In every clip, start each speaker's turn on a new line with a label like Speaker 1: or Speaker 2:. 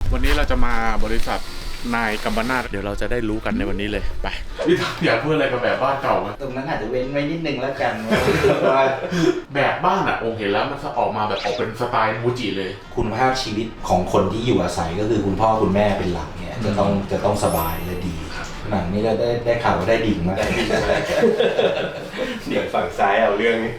Speaker 1: วันนี้เราจะมาบริษัทนายกัมปนาทเดี๋ยวเราจะได้รู้กันในวันนี้เลยไปพี่อยากพูดอะไรกับแบบบ้านเก่าไหม
Speaker 2: ตรงนั้นอาจจะเว้นไว้นิดนึงแล้วกัน
Speaker 1: แบบบ้านอ่ะผมเห็นแล้วมันออกมาแบบออกเป็นสไตล์มูจิเลย
Speaker 2: คุณภาพชีวิตของคนที่อยู่อาศัยก็คือคุณพ่อคุณแม่เป็นหลักเนี่ยจะต้องสบายและดีหนังนี้เราได้ข่าวว่าได้ดิ่งมาก
Speaker 3: เดี๋ยวฝั่งซ้ายเอาเรื่องนี้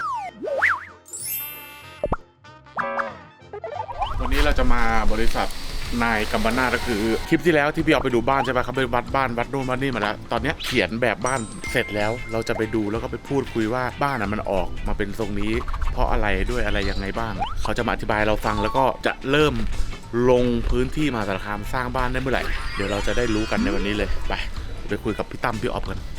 Speaker 1: วันนี้เราจะมาบริษัทนายกัมปนาทก็คือคลิปที่แล้วที่พี่เอาไปดูบ้านใช่ป่ะครับไปวัดบ้านวัดนู่นวัดนี่มาแล้วตอนนี้เขียนแบบบ้านเสร็จแล้วเราจะไปดูแล้วก็ไปพูดคุยว่าบ้านอ่ะมันออกมาเป็นทรงนี้เพราะอะไรด้วยอะไรยังไงบ้างเขาจะมาอธิบายเราฟังแล้วก็จะเริ่มลงพื้นที่มหาสารคามสร้างบ้านได้เมื่อไหร่เดี๋ยวเราจะได้รู้กันในวันนี้เลยไปคุยกับพี่ตั้มพี่ออฟกัน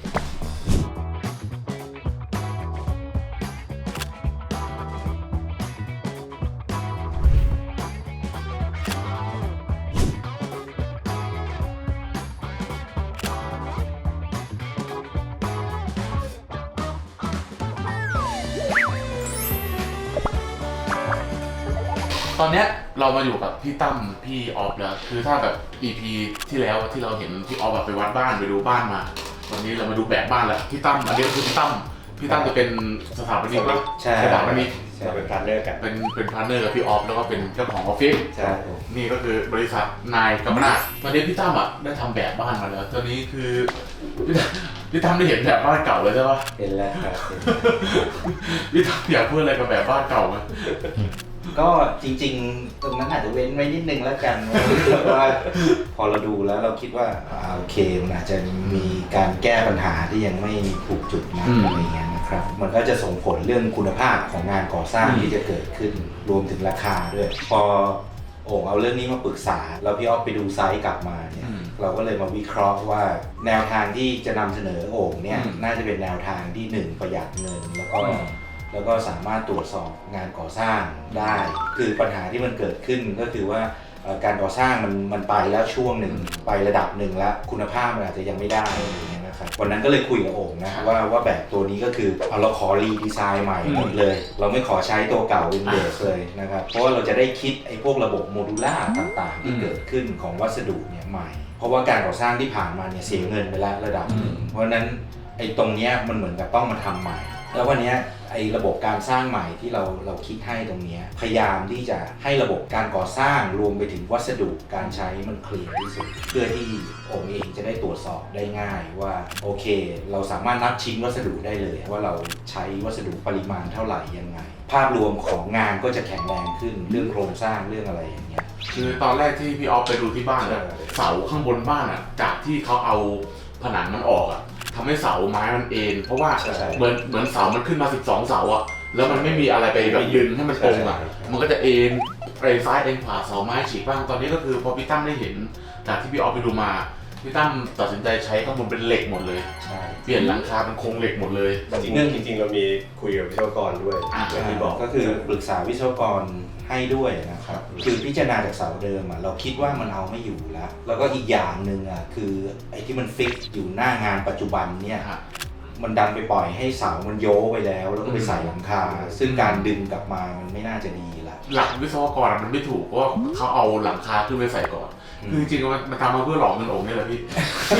Speaker 1: ตอนเนี้ยเรามาอยู่กับพี่ตั้มพี่ออฟแล้วคือถ้าแบบ EP ที่แล้วที่เราเห็นพี่ออฟแบบไปวัดบ้านไปดูบ้านมาวันนี้เรามาดูแบบบ้านแล้วพี่ตั้มอันนี้ก็คือพี่ตั้มจะเป็นสถาปนิกนะสถาปนิก
Speaker 3: เราเป็นพาร์ทเนอร์กัน
Speaker 1: เป็นพาร์ทเนอร์กับพี่ออฟแล้วก็เป็นเจ้าของออฟฟิศ
Speaker 2: ใช่
Speaker 1: นี่ก็คือบริษัทนายกัมปนาทตอนนี้พี่ตั้มอ่ะได้ทำแบบบ้านมาแล้วตอนนี้คือพี่ตั้มได้เห็นแบบบ้านเก่าเลยใช่ปะ
Speaker 2: เห็นแล้วครับ
Speaker 1: พี่ตั้มอยากพูดอะไรกับแบบบ้านเก่าไหม
Speaker 2: ก็จริงๆตรงนั้นอาจจะเว้นไว้นิดนึงแล้วกันว่าพอเราดูแล้วเราคิดว่าโอเคมันอาจจะมีการแก้ปัญหาที่ยังไม่ถูกจุดนะอะไรเงี้ยนะครับมันก็จะส่งผลเรื่องคุณภาพของงานก่อสร้างที่จะเกิดขึ้นรวมถึงราคาด้วยพอโอ่งเอาเรื่องนี้มาปรึกษาแล้วพี่ออฟไปดูไซต์กลับมาเนี่ยเราก็เลยมาวิเคราะห์ว่าแนวทางที่จะนำเสนอโอ่งเนี่ยน่าจะเป็นแนวทางที่1ประหยัดเงินแล้วก็สามารถตรวจสอบงานก่อสร้างได้คือปัญหาที่มันเกิดขึ้นก็คือว่าการก่อสร้างมันไปแล้วช่วงหนึ่งไประดับหนึ่งแล้วคุณภาพมันอาจจะยังไม่ได้อย่างเงี้ยนะครับวันนั้นก็เลยคุยกับโอ่งนะว่าแบบตัวนี้ก็คือเราขอรีดีไซน์ใหม่หมดเลยเราไม่ขอใช้ตัวเก่าเป็นเบสเลยนะครับเพราะว่าเราจะได้คิดไอ้พวกระบบโมดูล่าต่างๆที่เกิดขึ้นของวัสดุเนี่ยใหม่เพราะว่าการก่อสร้างที่ผ่านมาเนี่ยเสียเงินไปแล้วระดับหนึ่งเพราะฉะนั้นไอ้ตรงเนี้ยมันเหมือนกับต้องมาทำใหม่แล้ววันนี้ไอ้ระบบการสร้างใหม่ที่เราคิดให้ตรงนี้พยายามที่จะให้ระบบการก่อสร้างรวมไปถึงวัสดุการใช้มันเคลียร์ที่สุดเพื่อที่โอ่งเองจะได้ตรวจสอบได้ง่ายว่าโอเคเราสามารถนับชิ้นวัสดุได้เลยว่าเราใช้วัสดุปริมาณเท่าไหร่ยังไงภาพรวมของงานก็จะแข็งแรงขึ้นเรื่องโครงสร้างเรื่องอะไรอย่างเงี้ย
Speaker 1: คือตอนแรกที่พี่ออฟไปดูที่บ้านอะเสาข้างบนบ้านอะจากที่เขาเอาผนังมันออกอะทำให้เสาไม้มันเอ็นเพราะว่าเหมือนเสามันขึ้นมา12เสาอะแล้วมันไม่มีอะไรไปแบบยืนให้มันตรงอะมันก็จะเอ็นไปซ้ายเอ็นขวาเสาไม้ฉีกบ้างตอนนี้ก็คือพอพี่ตั้มได้เห็นจากที่พี่ออฟไปดูมาพี่ตั้มตัดสินใจใช้ข้างบนเป็นเหล็กหมดเลยเปลี่ยนหลังคาเป็นโครงเหล็กหมดเลย
Speaker 3: จริงเรามีคุยกับวิศวกรด้วยอย่างที่บอก
Speaker 2: ก็คือปรึกษาวิศวกรให้ด้วยนะครับคือพิจารณาจากเสาเดิมเราคิดว่ามันเอาไม่อยู่แล้วก็อีกอย่างหนึ่งคือไอ้ที่มันฟิกอยู่หน้างานปัจจุบันเนี่ยมันดันไปปล่อยให้เสามันโยไปแล้วก็ไปใส่หลังคาซึ่งการดึงกลับมามันไม่น่าจะดีละ
Speaker 1: หลักวิศวกรมันไม่ถูกเพราะเขาเอาหลังคาขึ้นไปใส่ก่อนคือจริงๆมันทำมาเพื่อหลอกเงินโอ่งนี่แหละพี่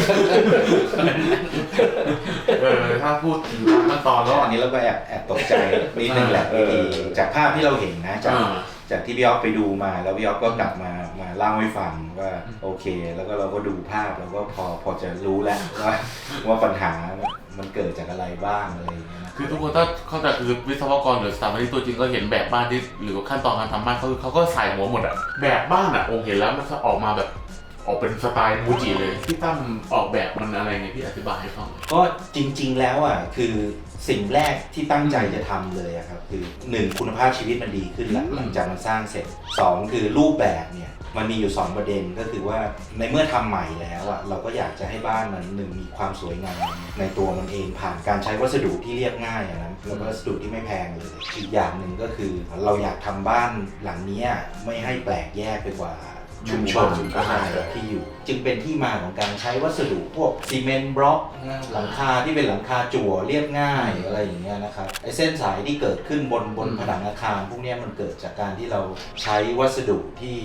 Speaker 1: ถ้าพูดถึงขั้นตอนแล้ว
Speaker 2: อันนี้เราก็แอบตกใจนิดนึงแหละจากภาพที่เราเห็นนะจากที่พี่อ๊อฟไปดูมาแล้วพี่อ๊อฟก็กลับมาเล่าให้ฟังว่าโอเคแล้วก็เราก็ดูภาพแล้วก็พอจะรู้แล้วว่าปัญหามันเกิดจากอะไรบ้างอะไรอย่างเงี้ย
Speaker 1: คือทุกคนถ้าเข้าใจคือวิศวกรหรือสถาปนิกตัวจริงก็เห็นแบบบ้านที่หรือขั้นตอนการทำบ้านเขาก็ใส่หัวหมดอะแบบบ้านอะองค์เห็นแล้วมันออกมาแบบออกเป็นสไตล์มูจิเลยที่ตั้มออกแบบมันอะไรไงพี่อธิบายให้ฟัง
Speaker 2: ก็จริงๆแล้วคือสิ่งแรกที่ตั้งใจจะทำเลยครับคือ1คุณภาพชีวิตมันดีขึ้นหลังจากมันสร้างเสร็จ2คือรูปแบบเนี่ยมันมีอยู่2ประเด็นก็คือว่าในเมื่อทำใหม่แล้วเราก็อยากจะให้บ้านมันมีความสวยงามในตัวมันเองผ่านการใช้วัสดุที่เรียบง่ายนะแล้วก็วัสดุที่ไม่แพงเลยอีกอย่างหนึ่งก็คือเราอยากทำบ้านหลังนี้ไม่ให้แปลกแยกไปกว่าชุมชนที่อยู่จึงเป็นที่มาของการใช้วัสดุพวกซีเมนต์บล็อกหลังคาที่เป็นหลังคาจั่วเรียบง่ายอะไรอย่างเงี้ยนะครับไอ้เส้นสายที่เกิดขึ้นบนผนังอาคารพวกนี้มันเกิดจากการที่เราใช้วัสดุที่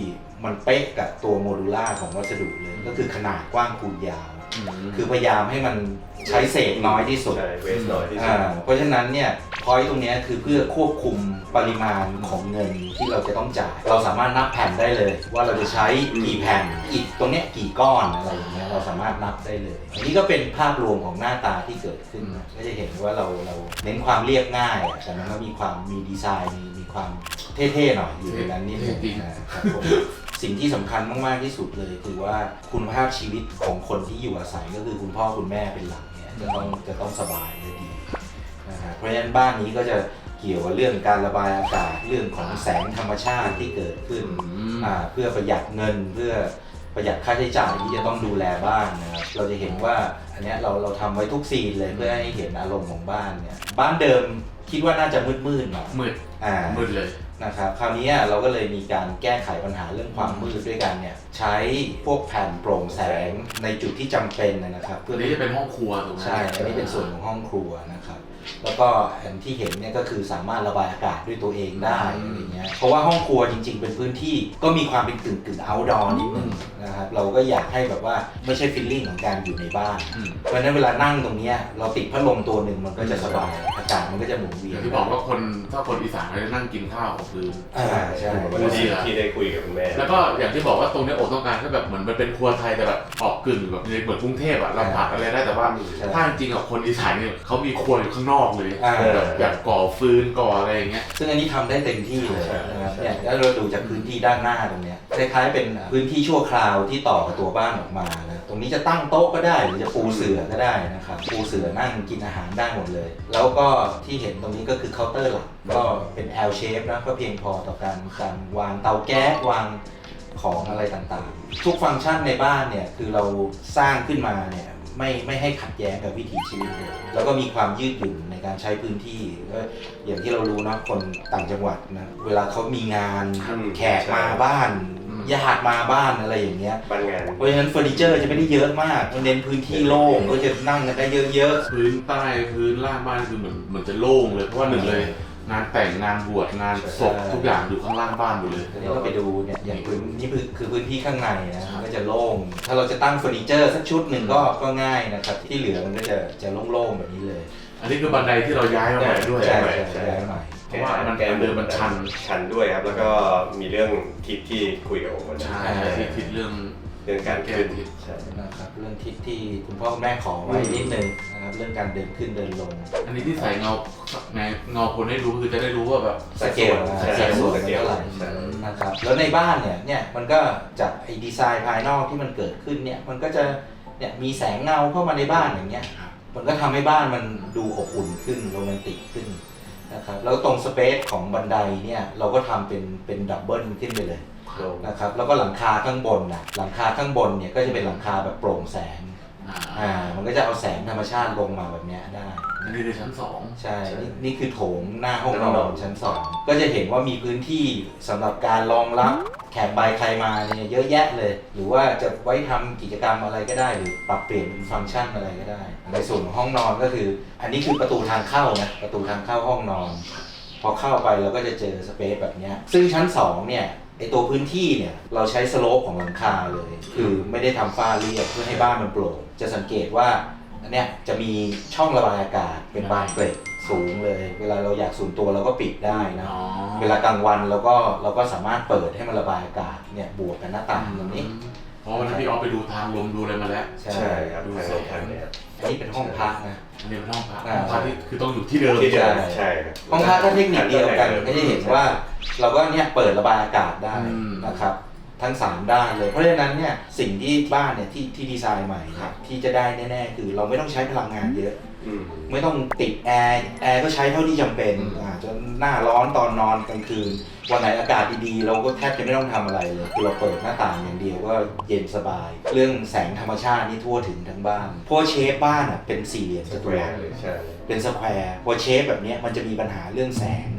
Speaker 2: มันเป๊ะกับตัวโมดูล่าของวัสดุเลยก็คือขนาดกว้างคูณยาวคือพยายามให้มันใช้เศษน้อยที่สุด
Speaker 3: ใช่เวสน้อยที่สุด
Speaker 2: เพราะฉะนั้นเนี่ยพอยต์ตรงนี้คือเพื่อควบคุมปริมาณของเงินที่เราจะต้องจ่ายเราสามารถนับแผ่นได้เลย ว่าเราจะใช้กี่แผ่นอิฐตรงเนี้ยกี่ก้อนอะไรอย่างเงี้ยเราสามารถนับได้เลยอันนี้ก็เป็นภาพรวมของหน้าตาที่เกิดขึ้นนะก็จะเห็นว่าเราเน้นความเรียบง่ายแต่มันก็มีความมีดีไซน์มีความเท่ๆหน่อยอยู่ในนั้นนิดนึงนะครับผมสิ่งที่สำคัญมากๆที่สุดเลยคือว่าคุณภาพชีวิตของคนที่อยู่อาศัยก็คือคุณพ่อคุณแม่เป็นหลักเนี่ยจะต้องสบายและดีนะครับเพราะฉะนั้นบ้านนี้ก็จะเกี่ยวกับเรื่องการระบายอากาศเรื่องของแสงธรรมชาติที่เกิดขึ้นเพื่อประหยัดเงินเพื่อประหยัดค่าใช้จ่ายที่จะต้องดูแลบ้านนะครับเราจะเห็นว่าอันนี้เราทำไว้ทุกซีนเลยเพื่อให้เห็นอารมณ์ของบ้านเนี่ยบ้านเดิมคิดว่าน่าจะมืดๆหน่อย
Speaker 1: มืดเลย
Speaker 2: นะครับคราวนี้เราก็เลยมีการแก้ไขปัญหาเรื่องความมืดด้วยกันเนี่ยใช้พวกแผ่นโปร่งแสงในจุดที่จำเป็นนะครับ
Speaker 1: เพื่อที่จะเป็นห้องครัวถูกไหม
Speaker 2: ใช่อันนี้เป็นส่วนของห้องครัวนะครับแล้วก็อันที่เห็นเนี่ยก็คือสามารถระบายอากาศด้วยตัวเองได้อะไรเงี้ยเพราะว่าห้องครัวจริงๆเป็นพื้นที่ก็มีความเป็นกึ่ง outdoor นิดนึงนะครับเราก็อยากให้แบบว่าไม่ใช่ฟีลลิ่งของการอยู่ในบ้านเพราะฉะนั้นเวลานั่งตรงนี้เราติดพัดลมตัวหนึ่งมันก็จะสบายอากาศมันก็จะหมุนเวียน
Speaker 1: ที่บอกว่าถ้าคนอีสานเขาจะนั่งกินข้าวกับพื้น
Speaker 2: ใช่
Speaker 3: วันที่ได้คุยกับคุณแม่
Speaker 1: แล้วก็อย่างที่บอกว่าตรงนี้โอ๊ตต้องการแค่แบบเหมือนมันเป็นครัวไทยแต่แบบออกกึ่งแบบเหมือนกรุงเทพเราผัดอะไรได้แต่ว่าถ้าจริงๆคนอีสานเนี่ยเขามีครัวอยู่ข้างนอกเลยแบบก่อฟืนก่ออะไรอย่างเงี้ย
Speaker 2: ซึ่งอันนี้ทำได้เต็มที่เลยนะครับเนี่ยแล้วเราดูจากพื้นที่ด้านหน้าตรงเนี้ยคล้ายๆเป็นพื้นที่ชั่วคราวที่ต่อกับตัวบ้านออกมานะตรงนี้จะตั้งโต๊ะก็ได้หรือจะปูเสื่อก็ได้นะครับปูเสื่อนั่งกินอาหารได้หมดเลยแล้วก็ที่เห็นตรงนี้ก็คือเคาน์เตอร์หลักก็เป็น L shape นะก็เพียงพอต่อการวางเตาแก๊สวางของอะไรต่างๆทุกฟังก์ชันในบ้านเนี่ยคือเราสร้างขึ้นมาเนี่ยไม่ให้ขัดแย้งกับวิถีชีวิตเลยแล้วก็มีความยืดหยุ่นในการใช้พื้นที่ก็อย่างที่เรารู้นะคนต่างจังหวัดนะเวลาเขามีงานแขกมาบ้านญาติมาบ้านอะไรอย่างเงี้ยเพราะฉะนั้นเฟอร์นิเจอร์จะไม่ได้เยอะมากมันเน้นพื้นที่โล่งก็จะนั่งกันได้เยอะ
Speaker 1: ๆพื้นใต้พื้นล่างบ้านคือเหมือนจะโล่งเลยเพราะว่าหนึ่งเลยงานแต่งงานบวชงานศพทุกอย่างอยู่ข้างล่างบ้านหมดเลย
Speaker 2: นี่เราไปดูเนี่ยอย่างพื้นนี่คือพื้นที่ข้างในนะมันก็จะโล่งถ้าเราจะตั้งเฟอร์นิเจอร์สักชุดหนึ่งก็ง่ายนะครับที่เหลือมันก็จะโล่งๆแบบนี้เลย
Speaker 1: อันนี้คือบันไดที่เราย้ายมาใหม่ด้วย
Speaker 2: ใช่ย้ายใหม่
Speaker 1: เพราะว่ามันเดินมัน
Speaker 3: ชันด้วยครับแล้วก็มีเรื่องทิศที่คุยกับผม
Speaker 1: ใช่ทิศเรื่อง
Speaker 3: การแก้ทิศ
Speaker 2: นะครับเรื่องทิศที่คุณพ่อแม่ขอไว้นิดนึงนะครับเรื่องการเดินขึ้นเดินลง
Speaker 1: อันนี้ที่ใส่เงาคนให้รู้คือจะได้รู้ว่าแบบ
Speaker 2: สเกลเท่าไหร่นะครับแล้วในบ้านเนี่ยมันก็จากไอ้ดีไซน์ภายนอกที่มันเกิดขึ้นเนี่ยมันก็จะเนี่ยมีแสงเงาเข้ามาในบ้านอย่างเงี้ยมันก็ทำให้บ้านมันดูอบอุ่นขึ้นโรแมนติกขึ้นนะครับแล้วตรงสเปซของบันไดเนี่ยเราก็ทำเป็นดับเบิลขึ้นไปเลยนะครับแล้วก็หลังคาข้างบนหลังคาข้างบนเนี่ยก็จะเป็นหลังคาแบบโปร่งแสงมันก็จะเอาแสงธรรมชาติลงมาแบบนี้ได้
Speaker 1: อันนี้คือชั้น2
Speaker 2: ใช่นี่คือโถงหน้าห้องนอนชั้น2ก็จะเห็นว่ามีพื้นที่สำหรับการรองรับแขกไปใครมาเนี่ยเยอะแยะเลยหรือว่าจะไว้ทำกิจกรรมอะไรก็ได้หรือปรับเปลี่ยนฟังก์ชันอะไรก็ได้ในส่วนของห้องนอนก็คืออันนี้คือประตูทางเข้านะประตูทางเข้าห้องนอนพอเข้าไปเราก็จะเจอสเปซแบบนี้ซึ่งชั้น2เนี่ยไอตัวพื้นที่เนี่ยเราใช้สโลปของหลังคาเลยคือไม่ได้ทำฝ้าเรียบเพื่อให้บ้านมันโปร่งจะสังเกตว่าอันเนี้ยจะมีช่องระบายอากาศเป็นบานเกล็ดสูงเลยเวลาเราอยากสูงตัวเราก็ปิดได้นะเวลากลางวันเราก็สามารถเปิดให้มันระบายอากาศเนี่ยบวกกันหน้าต่างตรงนี้
Speaker 1: เพราะวันนั้นพี่ออฟไปดูทางลมดูอะไรมาแล้ว
Speaker 3: ใช่ครับดูทาง
Speaker 2: เนี่ยอันนี้เป็นห้องพักนะ
Speaker 1: อันนี้เป็นห้องพักที่คือต้องอยู่ที่เดิม
Speaker 3: ใช่
Speaker 2: ห้องพักก็เทคนิคเดียวกันก็จะเห็นว่าเราก็เนี่ยเปิดระบายอากาศได้นะครับทั้ง3ด้านเลยเพราะฉะนั้นเนี่ยสิ่งที่บ้านเนี่ยที่ดีไซน์ใหม่ที่จะได้แน่ๆคือเราไม่ต้องใช้พลังงานเยอะไม่ต้องติดแอร์ก็ใช้เท่าที่จำเป็นจนหน้าร้อนตอนนอนกลางคืนวันไหนอากาศดีๆเราก็แทบจะไม่ต้องทำอะไรเลยคือเราเปิดหน้าต่างอย่างเดียวก็เย็นสบายเรื่องแสงธรรมชาตินี่ทั่วถึงทั้งบ้านเพราะเชฟบ้านเป็นสี่เหลี่ยมจัตุรัสเป็นสแควร์พอเชฟแบบนี้มันจะมีปัญหาเรื่องแสง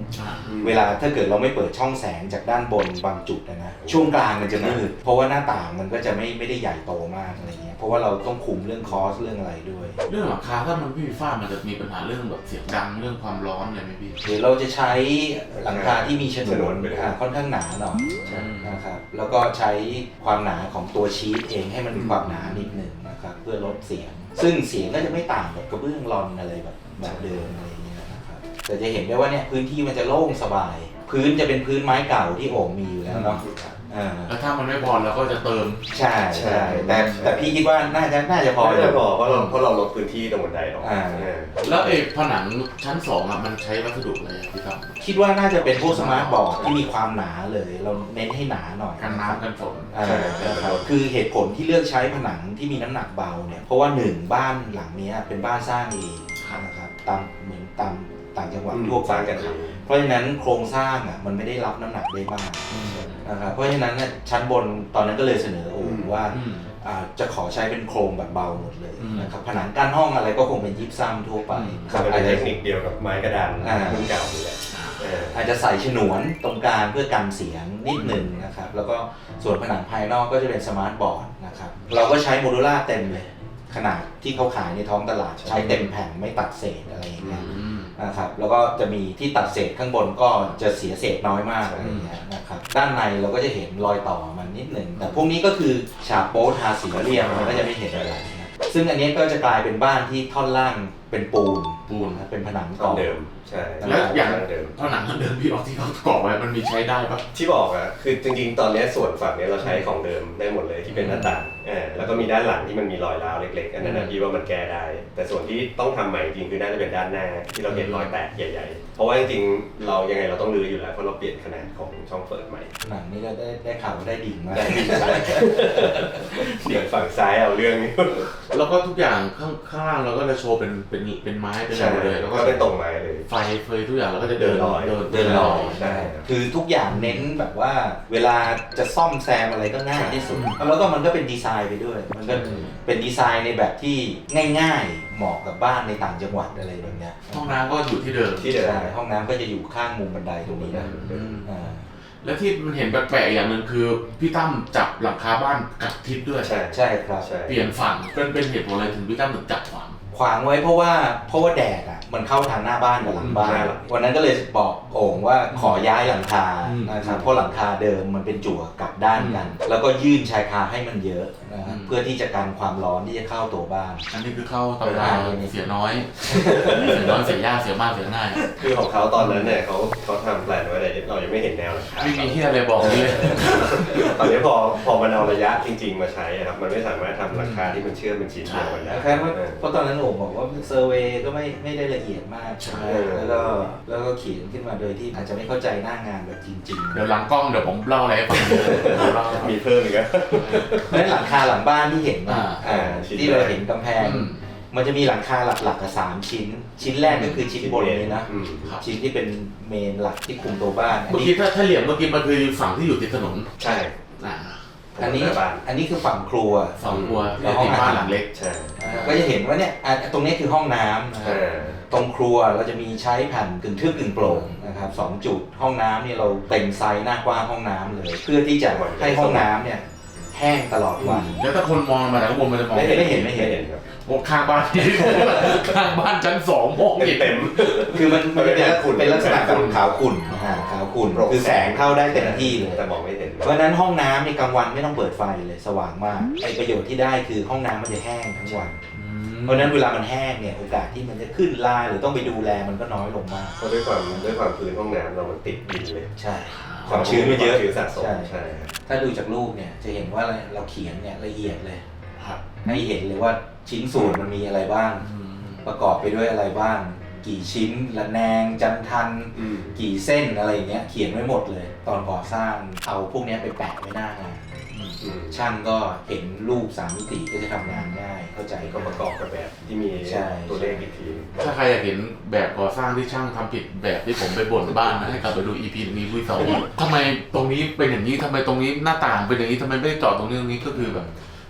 Speaker 2: เวลาถ้าเกิดเราไม่เปิดช่องแสงจากด้านบนบางจุดนะช่วงกลางมันจะมืดเพราะว่าหน้าต่างมันก็จะไม่ได้ใหญ่โตมากอะไรเงี้ยเพราะว่าเราต้องคุมเรื่องคอสเรื่องอะไรด้วย
Speaker 1: เรื่องหลังคาถ้ามันไม่มีฝ้ามันจะมีปัญหาเรื่องแบบเสียงดังเรื่องความร้อนอะไรไหมพี่
Speaker 2: หรือเราจะใช้หลังคาที่มีฉนวนค่อนข้างหนาหน่อยนะครับแล้วก็ใช้ความหนาของตัวชีทเองให้มันมีความหนานิดหนึ่งนะครับเพื่อลดเสียงซึ่งเสียงก็จะไม่ต่างกับกระเบื้องรอนอะไรแบบเดิมอะไรอย่างเงี้ยนะครับแต่จะเห็นได้ว่าเนี่ยพื้นที่มันจะโล่งสบายพื้นจะเป็นพื้นไม้เก่าที่โอ่งมีอยู่แล้วเนาะ
Speaker 1: แล้วถ้ามันไม่พอเราก็จะเติม
Speaker 2: ใช่แต่พี่คิดว่าน่าจะพอ
Speaker 3: เพราะเราลดพื้นที่ตรงบันไดออก
Speaker 1: แล้วผนังชั้น2อ่ะมันใช้วัสดุอะไรพี่ตั้ม
Speaker 2: คิดว่าน่าจะเป็นพวกสมาร์ทบอร์ดที่มีความหนาเลยเราเน้นให้หนาหน่อย
Speaker 1: กันน้ำกันฝน
Speaker 2: คือเหตุผลที่เลือกใช้ผนังที่มีน้ำหนักเบาเนี่ยเพราะว่า1บ้านหลังนี้เป็นบ้านสร้างเองนะครับเหมือนตามต่างจังหวัดทั่วไปกันเพราะฉะนั้นโครงสร้างอ่ะมันไม่ได้รับน้ำหนักได้มากนะครับเพราะฉะนั้นชั้นบนตอนนั้นก็เลยเสนอโอ้ว่าจะขอใช้เป็นโครงแบบเบาหมดเลยนะครับผนังกั้นห้องอะไรก็คงเป็นยิปซัมทั่วไป
Speaker 3: เป็นเทคนิคเดียวกับไม้กระดานรุ่นเก่าเลย
Speaker 2: อาจจะใส่ฉนวนตรงกลางเพื่อกันเสียงนิดหนึ่งนะครับแล้วก็ส่วนผนังภายนอกก็จะเป็นสมาร์ทบอร์ดนะครับเราก็ใช้โมดูล่าเต็มเลยขนาดที่เขาขายในท้องตลาดใช้เต็มแผ่นไม่ตัดเศษอะไรอย่างเงี้ยนะครับแล้วก็จะมีที่ตัดเศษข้างบนก็จะเสียเศษน้อยมากอะไรอย่างเงี้ยนะครับด้านในเราก็จะเห็นรอยต่อมันนิดหนึ่งแต่พวกนี้ก็คือฉาบโป๊ทาสีเรียมมันก็จะไม่เห็นอะไรนะซึ่งอันนี้ก็จะกลายเป็นบ้านที่ท่อนล่างเป็นปูนเป็นผนังก่อ
Speaker 3: เดิมใช่
Speaker 1: แล้วอย่างผนังเดิมพี่ออกที่เขาก่อไว้มันมีใช้ได้ปะ
Speaker 3: ที่บอกอะคือจริงๆตอนนี้ส่วนฝั่งนี้เราใช้ของเดิมได้หมดเลยที่เป็นหน้าต่างแล้วก็มีด้านหลังที่มันมีรอยร้าวเล็กๆอันนั้นพี่ว่ามันแก้ได้แต่ส่วนที่ต้องทำใหม่จริงคือน่าจะเป็นด้านหน้าที่เราเห็นรอยแตกใหญ่ๆเพราะว่าจริงๆเรายังไงเราต้องรื้ออยู่แล้วเพราะเราเปลี่ยนขนาดของช่องเปิดใหม่
Speaker 2: หนังนี่ก็ได้ข่าวได้ดิ่งมาก
Speaker 3: เดี๋ยวฝั่งซ้ายเอาเรื่องนี้
Speaker 1: แล้วก็ทุกอย่างข้างล่างเราก็จะโชว์เป็นไม้เป็นอะไรเลยแล้วก็
Speaker 3: เป็นตรงไม้เลย
Speaker 1: ไฟเฟยทุกอย่างเราก็จะเดินลอย
Speaker 2: ใช่คือทุกอย่างเน้นแบบว่าเวลาจะซ่อมแซมอะไรก็ง่ายที่สุดแล้วก็มันก็เป็นดีไซน์ไปด้วยมันก็เป็นดีไซน์ในแบบที่ง่ายๆเหมาะกับบ้านในต่างจังหวัดอะไรแบบเนี้ย
Speaker 1: ห้องน้ำก็อยู่ที่เดิม
Speaker 2: ใช่ห้องน้ำก็จะอยู่ข้างมุมบันไดตรงนี้นะ
Speaker 1: และที่มันเห็นแปลกๆอย่างนึงคือพี่ตั้มจับหลังคาบ้านกลับทิศด้วย
Speaker 2: ใช่ครับ
Speaker 1: เปลี่ยนฝั่งเป็นเหตุผลอะไรถึงพี่ตั้มถึงจับ
Speaker 2: ขวางไว้เพราะว่าแดดอ่ะมันเข้าทางหน้าบ้านกับหลังบ้านวันนั้นก็เลยบอกโอ่งว่าขอย้ายหลังคานะครับเพราะหลังคาเดิมมันเป็นจั่วกลับด้านกันแล้วก็ยื่นชายคาให้มันเยอะนะครับเพื่อที่จะกันความร้อนที่จะเข้าตัวบ้าน
Speaker 1: อันนี้คือเข้าตำราเสียน้อยเสียยากเสียมากเสียง่าย
Speaker 3: คือของเขาตอนนั้นเนี่ยเขาทำแปลนไว้แต่เรายังไม่เห็นแนวเลย
Speaker 1: ไม่มีที่อะไรบอกเลย
Speaker 3: ตอนนี้พอมันเอาระยะจริงๆมาใช้ครับมันไม่สามารถทำราคาที่มันเชื่อมเป็นชิ้นเดียวกันได้
Speaker 2: เพราะตอนนั้นผมบอกว่าเซอร์เวย์ก็ไม่ได้ละเอียดมากแล้วก็เขียนขึ้นมาโดยที่อาจจะไม่เข้าใจหน้างานแบบจริงๆ
Speaker 1: เดี๋ยวหลังกล้องเดี๋ยวผมเล่าอะไรให้ฟัง
Speaker 3: มีเพิ่มอีกแล้ว
Speaker 2: เพราะฉะนั้นหลังคาหลังบ้านที่เห็นที่เราเห็นกำแพงมันจะมีหลังคาหลักๆ3ชิ้นแรกก็คือชิ้นบนนี้นะชิ้นที่เป็นเมนหลักที่คุมตัวบ้าน
Speaker 1: เมื่อกี้ถ้าเหลี่ยมเมื่อกี้มันคือฝั่งที่อยู่ติดถนน
Speaker 3: ใช่
Speaker 2: อันนี้คือฝั่งครัว
Speaker 1: แล้วห้องบ้านหลังเล็ก
Speaker 2: ใช่ก็จะเห็นว่าเนี่ยตรงนี้คือห้องน้ำตรงครัวเราจะมีใช้แผ่นกึ่งทึบกึ่งโปร่งนะครับ2จุดห้องน้ำเนี่ยเราเต็มไซส์หน้ากว้างห้องน้ำเลยเพื่อที่จะให้ห้องน้ำเนี่ยแห้งตลอดวัน
Speaker 1: แล้วถ้าคนมองมาจากข้างบนมันจะมอง
Speaker 2: ไม่เห็น
Speaker 1: ครับข้างบ้านชั้น2ห้อง
Speaker 3: เต็ม
Speaker 2: คือมันเป็นลักษณะแบบขาวขุ่นคือแสงเข้าได้เต็มที่เลย
Speaker 3: แต่มองไม่เห็น
Speaker 2: เพราะนั้นห้องน้ำในกลางวันไม่ต้องเปิดไฟเลยสว่างมากไอประโยชน์ที่ได้คือห้องน้ำมันจะแห้งทั้งวันเพราะนั้นเวลามันแห้งเนี่ยโอกาสที่มันจะขึ้นลายหรือต้องไปดูแลมันก็น้อยลงมาก
Speaker 3: เพราะด้วยความพื้นห้องน้ำเรามันติดดินเลย
Speaker 2: ใช่ความชื้นไม่เยอะ
Speaker 3: สะสมใช่
Speaker 2: ถ้าดูจากรูปเนี่ยจะเห็นว่าเราเขียนเนี่ยละเอียดเลยให้เห็นเลยว่าชิ้นส่วนมันมีอะไรบ้างประกอบไปด้วยอะไรบ้างกี่ชิ้นระแนงจันทันกี่เส้นอะไรเงี้ยเขียนไว้หมดเลยตอนก่อสร้างเอาพวกนี้ไปแปะไว้หน้างานช่างก็เห็นรูป3มิติก็จะทำงานง่ายเข้าใจ
Speaker 3: ก็ประกอบกับแบบที่มีตัวเลขอีกที
Speaker 1: ถ้าใครอยากเห็นแบบก่อสร้างที่ช่างทำผิดแบบที่ผมไปบ่นบ้านนะให้กลับไปดู EP นี้พูด2ทำไมตรงนี้เป็นอย่างนี้ทำไมตรงนี้หน้าต่างเป็นอย่างนี้ทำไมไม่ได้เจาะตรงนี้ก็คือแบบ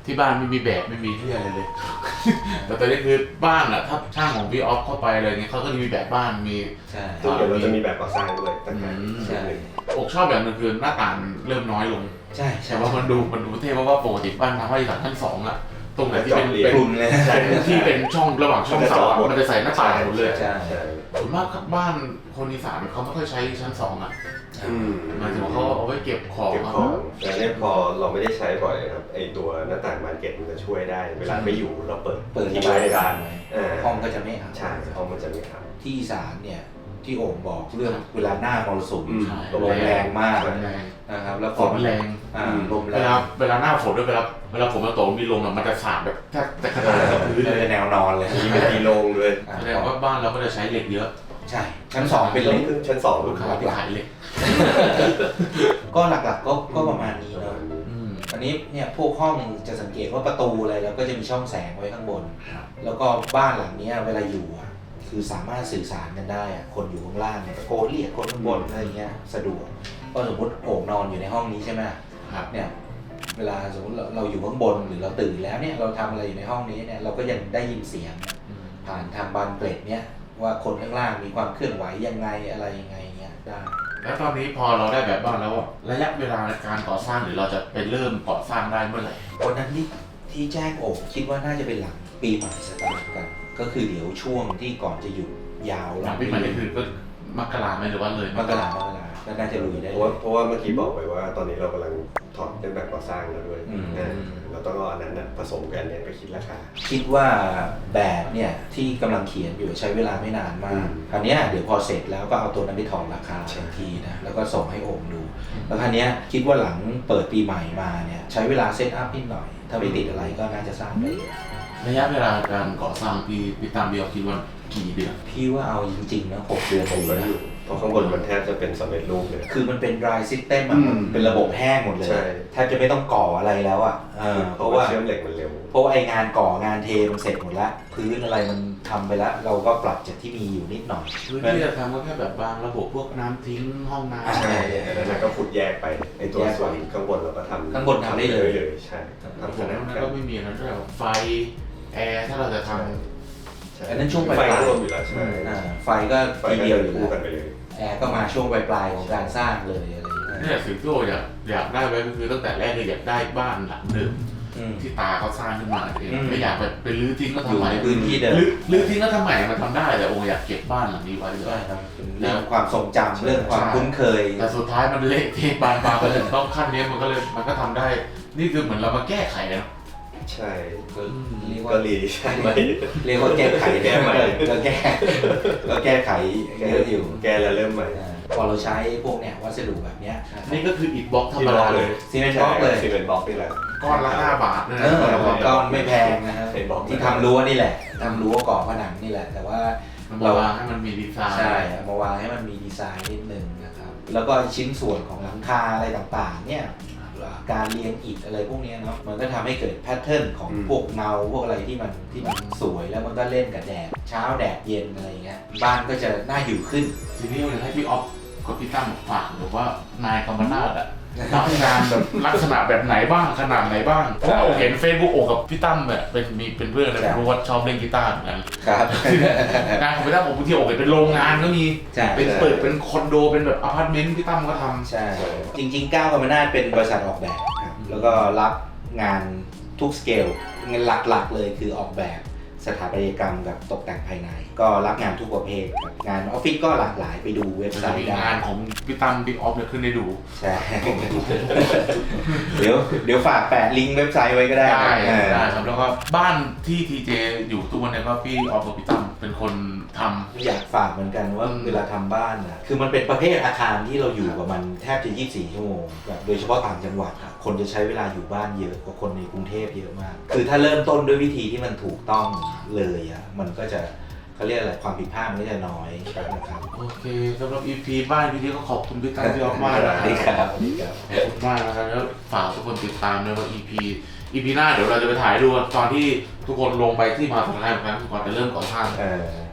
Speaker 1: ที่บ้านไม่มีแบบไม่มีที่อะไรเลย แต่ตอนนี้คือบ้านอ่ะถ้าช่างของพี่ออฟเข้าไปอะไรเงี้ยเขาก็จะมีแบบบ้านมี
Speaker 2: ใช่
Speaker 3: ซึ่งเดี๋ยวเราจะมีแบบก่อสร้างด้วยต่างหาก
Speaker 2: ใช่
Speaker 1: อกชอบแบบนึงคือหน้าต่างเริ่มน้อยลง
Speaker 2: ใช่ใช่
Speaker 1: แต่ว่ามันดูเท่เพราะว่าปกติบ้านทำให้ชั้น 2อ่ะตรงไหนที่เป็น
Speaker 2: กลุ่มเลย
Speaker 1: เป็นที่เป็นช่องระหว่างช่องเสาอะมันจะใส่หน้าต่างหมดเลย
Speaker 2: ใช่
Speaker 3: ใช่
Speaker 1: ส่วนมากบ้านคนอีสานเขาไม่ค่อยใช้ชั้น 2อ่ะ
Speaker 3: อืม
Speaker 1: หมายถึงว่าเขาเอาไว้เก็บของ
Speaker 3: เก็บของแต่เนี่ยพอเราไม่ได้ใช้บ่อยครับไอตัวหน้าต่างบานเกล็ดมันจะช่วยได้ เวลาไม่อยู่เราเปิด
Speaker 2: ระ
Speaker 3: ไว้
Speaker 2: บาย
Speaker 3: ใน
Speaker 2: กา
Speaker 3: บ้าร น
Speaker 2: ไว้
Speaker 3: อ่า
Speaker 2: ห้องก็จะไม่อับ
Speaker 3: ใช่ห้องมันจะไม่อับ
Speaker 2: ที่อีสานเนี่ยที่โอ่งบอกเรื่องเวลาหน้ามรสุม
Speaker 3: อืม
Speaker 2: ลมแรงมาก
Speaker 1: ฝนแรง
Speaker 2: นะครับแล้ว
Speaker 1: ฝนแรง
Speaker 2: ลมแร
Speaker 1: เวลาง เวลาหน้าฝนด้วยเวลาฝนมาตกมีลมอะมันจะสาดแบบแทบจะขนาดกับพื้นเลย
Speaker 2: เป็นแนวนอนเลย
Speaker 3: มีเป็นตีโรงด้วย
Speaker 1: แสดงว่าบ้านเราก็จะใช้เหล็กเยอะ
Speaker 2: ใช่ชั้น 2เป็นเล็ก
Speaker 3: ชั้นสอง
Speaker 1: ลูกค้าที่ขายเหล็ก
Speaker 2: ก็หลักๆก็ประมาณนี้เนาะอันนี้เนี่ยพวกห้องจะสังเกตว่าประตูอะไรแล้วก็จะมีช่องแสงไว้ข้างบน แล้วก็บ้านหลังเนี้ยเวลาอยู่อ่ะคือสามารถสื่อสารกันได้อ่ะคนอยู่ข้างล่างเนี่ยตะโกนเรียกคนข้างบนอะไรเงี้ยสะดวกก็สมมติโอ่งนอนอยู่ในห้องนี้ใช่ไหม
Speaker 1: ครับ
Speaker 2: เนี่ยเวลาสมมติเราอยู่ข้างบนหรือเราตื่นแล้วเนี่ยเราทำอะไรอยู่ในห้องนี้เนี่ยเราก็ยังได้ยินเสียงผ่านทางบานเกล็ดเนี่ยว่าคนข้างล่างมีความเคลื่อนไหวยังไงอะไรยังไงเงี้ยได้
Speaker 1: แล้วตอนนี้พอเราได้แบบบ้านแล้วอะระยะเวลาในการก่อสร้างหรือเราจะไปเริ่มก่อสร้างได้เมื่อไหร่
Speaker 2: วันนั้นที่แจ้งโอ่งคิดว่าน่าจะเป็นหลังปีใหม่สตาร์ทกัน ก็คือเดี๋ยวช่วงที่ก่อนจะหยุดยาว
Speaker 1: หลังปีใหม่นี่คือก็มกราไหมหรือว่าเลย
Speaker 2: มกราก็น่าจะลุยได้
Speaker 3: เพราะว่าเมื่อกี้บอกไปว่าตอนนี้เรากำลังถอดเป็นแบบก่อสร้างแล้วด้วยเราต้องเอาอันนั้นผสมกันเนี่ยไปคิดราคา
Speaker 2: คิดว่าแบบเนี่ยที่กำลังเขียนอยู่ใช้เวลาไม่นานมากคราวนี้เดี๋ยวพอเสร็จแล้วก็เอาตัวนั้นไปถอดราคาทันทีนะแล้วก็ส่งให้โอ่งดู แล้วคราวนี้คิดว่าหลังเปิดปีใหม่มาเนี่ยใช้เวลาเซตอัพนิดหน่อย ถ้าไม่ติดอะไรก็น่าจะสร้างได้
Speaker 1: ระยะเวลาการก่อสร้างพี่ตามพี่เอาคิดว่ากี่เดือน
Speaker 2: พี่ว่าเอาจริงๆนะ6 เดือน
Speaker 3: ผม
Speaker 2: อยู่
Speaker 3: ก็
Speaker 2: นะ
Speaker 3: อยู่เพราะข้างบนมันแทบจะเป็นสำเร็จรูปเลย
Speaker 2: คือมันเป็น dry system อะมันเป็นระบบแห้งหมดเลย
Speaker 3: ใช่
Speaker 2: แทบจะไม่ต้องก่ออะไรแล้วอ่ะเพ
Speaker 3: เพราะ
Speaker 2: ราะ
Speaker 3: ว่า
Speaker 2: ว่า
Speaker 3: เชื่อมเหล็กมันเร็ว
Speaker 2: เพราะว่าไองานก่องานเทมันเสร็จหมดแล้วพื้นอะไรมันทำไปแล้ว เราก็ปรับจากที่มีอยู่นิดหน่อย
Speaker 1: พื้นที่จะทำก็แค่แบบบางระบบพวกน้ำทิ้งห้องน้ำ
Speaker 2: ใช่
Speaker 3: แล้วนั้นก็ขุดแยกไปไอตัวส่วนข้างบนเราก็ทำ
Speaker 2: ข้างบนทำได้เลย
Speaker 3: ใช่
Speaker 1: ทำ
Speaker 3: ทำ
Speaker 1: ข
Speaker 3: ข
Speaker 1: อง
Speaker 3: นาด
Speaker 1: นั้น
Speaker 3: กั
Speaker 1: ก็
Speaker 3: น
Speaker 1: ไม่มีนะด้วยไฟแอร์ถ้าเราจะท
Speaker 2: อันนั้นช่วงปลาย
Speaker 3: ไฟก็รวมอยู่แล้วใช่
Speaker 2: ไฟก็
Speaker 3: ไฟ
Speaker 2: ที
Speaker 3: ก็
Speaker 2: เดียว
Speaker 3: จะ
Speaker 2: อยู่
Speaker 3: คู่
Speaker 2: แล้ว
Speaker 3: กันไปเลย
Speaker 2: แอร์ก็มาช่วงปลายๆของการสร้างเลยอะไรอย่าง
Speaker 1: ำ
Speaker 2: เงี้ย
Speaker 1: นี่สิ่งที่โออยากได้ไว้ก็คือตั้งแต่แรกเลยอยากได้บ้านหลังเดิมที่ตาเขาสร้างขึ้นมาเองไม่อยากแบบไปรื้อทิ้งก็
Speaker 2: อ
Speaker 1: ทำ
Speaker 2: ยู่
Speaker 1: ใหม่
Speaker 2: ในพื้นที่เดิม
Speaker 1: รื้อทิ้งก็ทำใหม่มันทำได้แต่โออยากเก็บบ้านหลังนี้ไว้ด้ว
Speaker 2: ใช่
Speaker 1: ย
Speaker 2: ครับเป็นเรื่องความทรงจำเรื่องความคุ้นเคย
Speaker 1: แต่สุดท้ายมันเละเทะบานปลายไปเลยต้องขั้นนี้มันก็ทำได้ นี่คือเหมือนเรามาแก้ไขนะ
Speaker 3: ใช่
Speaker 2: ก็เรียก
Speaker 3: ก็
Speaker 2: ว่า
Speaker 3: รีใช่ไหม
Speaker 2: เรียกว่าแก้ไข
Speaker 3: แก้ใหม่
Speaker 2: ก็แก้ไขเยอะอยู่
Speaker 3: แกแล้วเริ่มใหม่
Speaker 2: พอเราใช้พวกเนี่ยวัสดุแบบเนี้ย
Speaker 1: นี่ก็คืออิฐบล็อกธรรมดาเลย
Speaker 2: ซีเมนต์บล็อกเลย
Speaker 3: ซีเมนต์บล็อกนี่แหละ
Speaker 1: ก้อนละ5 บาทนะ
Speaker 2: ก้อนไม่แพงนะครับ
Speaker 3: ไอ้บล็อก
Speaker 2: ที่ทำรั้วนี่แหละทำรั้วก่อผนังนี่แหละ แต่ว่า
Speaker 1: มันมาวางให้มันมีดีไซน์
Speaker 2: ใช่เอามาวางให้มันมีดีไซน์นิดนึงนะครับ แล้วก็ชิ้นส่วนของหลังคาอะไรต่างๆ เนี่ย การเรียงอิฐอะไรพวกเนี้ยเนาะ มันก็ทำให้เกิดแพทเทิร์นของพวกเงาพวกอะไรที่มันสวยแล้วมันก็เล่นกับแดด เช้าแดดเย็นอะไรเงี้ย บ้านก็จะน่าอยู่ขึ้น
Speaker 1: ทีนี้อยากให้พี่ออฟกับพี่ตั้มฝากหรือว่านายกำมนาฏอะรับงานแบบลักษณะแบบไหนบ้างขนาดไหนบ้างเพราะว่าเห็น Facebook โอกับพี่ตั้มแบบเป็นเพื่อนเลยรู้ว่าชอบเล่นกีตาร์เหมือนกัน
Speaker 2: ครับ
Speaker 1: งานของพี่ตั้มผมบางทีโอเป็นโรงงานก็มี
Speaker 2: ใช่
Speaker 1: เป็นเปิดเป็นคอนโดเป็นแบบอพาร์ตเมนต์พี่ตั้มก็ทำ
Speaker 2: ใช่ จริงๆก้าวกรรมนาศเป็นบริษัทออกแบบครับ แล้วก็รับงานทุกสเกลงานหลักๆเลยคือออกแบบสถาปัตยกรรมกับตกแต่งภายใน ก็รับงานทุกประเภทครับงานออฟฟิศก็หลากหลายไปดูเว็บไซ
Speaker 1: จะมี
Speaker 2: ต์ได้
Speaker 1: งานของพี่ตั้มพี่ออฟเนี่ยขึ้นให้ดู
Speaker 2: ใช่ เดี๋ยวฝากแปะลิงก์เว็บไซต์ไว้ก็ได้
Speaker 1: ได้ครับแล้วก็บ้านที่ทีเจอยู่ทุกวันนี้ก็พี่ออฟกับพี่ตั้มเป็นคนทำ
Speaker 2: อยากฝากเหมือนกันว่าเวลาทำบ้านนะคือมันเป็นประเภทอาคารที่เราอยู่กับมันแทบจะ 24 ชั่วโมงแบบโดยเฉพาะต่างจังหวัดอะคนจะใช้เวลาอยู่บ้านเยอะกว่าคนในกรุงเทพเยอะมาก คือถ้าเริ่มต้นด้วยวิธีที่มันถูกต้องเลยอ่ะมันก็จะเขาเรียกอะไรความผิดพลาดมันก็จะน้อยนะครับ
Speaker 1: โอเคสำหรับ EP บ้านพี่นี้ก็ขอบคุณพี่ตั้มพี่ออฟมากนะ
Speaker 2: สวัสดีครับสวัสดีครับ
Speaker 1: ขอบคุณมากนะครับแล้วฝากทุกคนติดตามด้วยว่า EP หน้าเดี๋ยวเราจะไปถ่ายดูตอนที่ทุกคนลงไปที่มหาสารคามครั้งก่อนจะเริ่มก่อสร้าง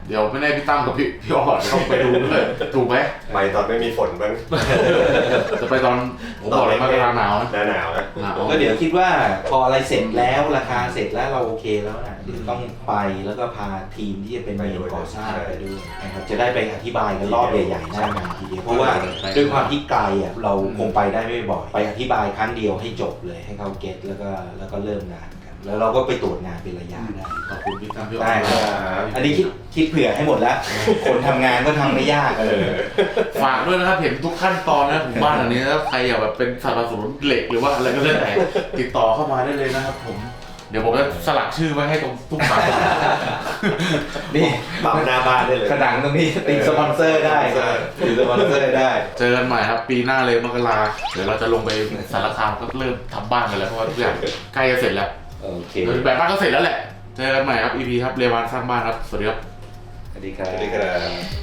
Speaker 1: เดี๋ยวไม่แน่พี่ตั้มกับพี่ออดเขาไปดูด้วยถูกไหม
Speaker 3: ไปตอนไม่มีฝนบ้าง
Speaker 1: จะไปตอนผมบอกเลยมากลางหนาวนะ
Speaker 3: หน้าหนาวนะ
Speaker 1: หนาว
Speaker 2: ก็เดี๋ยวคิดว่าพออะไรเสร็จแล้วราคาเสร็จแล้วเราโอเคแล้วนะเดี๋ยวต้องไปแล้วก็พาทีมที่จะเป็นเมนก่อสร้างไปด้วยนะครับจะได้ไปอธิบายกันรอบใหญ่ๆหน้างานทีเดียวเพราะว่าด้วยความที่ไกลอ่ะเราคงไปได้ไม่บ่อยไปอธิบายครั้งเดียวให้จบเลยให้เขาเก็ตแล้วก็เริ่มงานกันแล้วเราก็ไปตรวจงานเป็นระยะได้
Speaker 1: ขอบคุณพี่ตั้มพี่ออ
Speaker 2: ได้
Speaker 1: ด
Speaker 2: ครับอันนี้คิดเผื่อให้หมดแล้ว คนทำงานก็ทำไม่ยาก
Speaker 1: ฝากด้วยนะครับเห็นทุกขั้นตอนนะผมบ้านอันนี้ถ้าใครอยากแบบเป็นสนับสนุนเหล็กหรือว่าอะไรก็แล้วแต่ติดต่อเข้ามาได้เลยนะครับผมเดี๋ยวผมจะสลักชื่อไว้ให้ตรงทุกฝั่ง
Speaker 2: นี่
Speaker 3: เป่าหน้าบ้านได้เลย
Speaker 2: ผนังตรงนี้ติดสปอนเซอร์ได้ติดสปอนเซอร์ได้
Speaker 1: เจอกันใหม่ครับปีหน้าเลยมกราเดี๋ยวเราจะลงไปสารคามก็เริ่มทำบ้านกันแล้วเพราะว่าทุกอย่างใกล้จะเสร็จแล้ว
Speaker 2: โอเค
Speaker 1: แบบบ้านก็เสร็จแล้วแหละเจอกันใหม่ครับ EP ครับเรวานสร้างบ้านครับสวัสดีครับ
Speaker 2: สวัสดีครับ
Speaker 3: สวัสดีครับ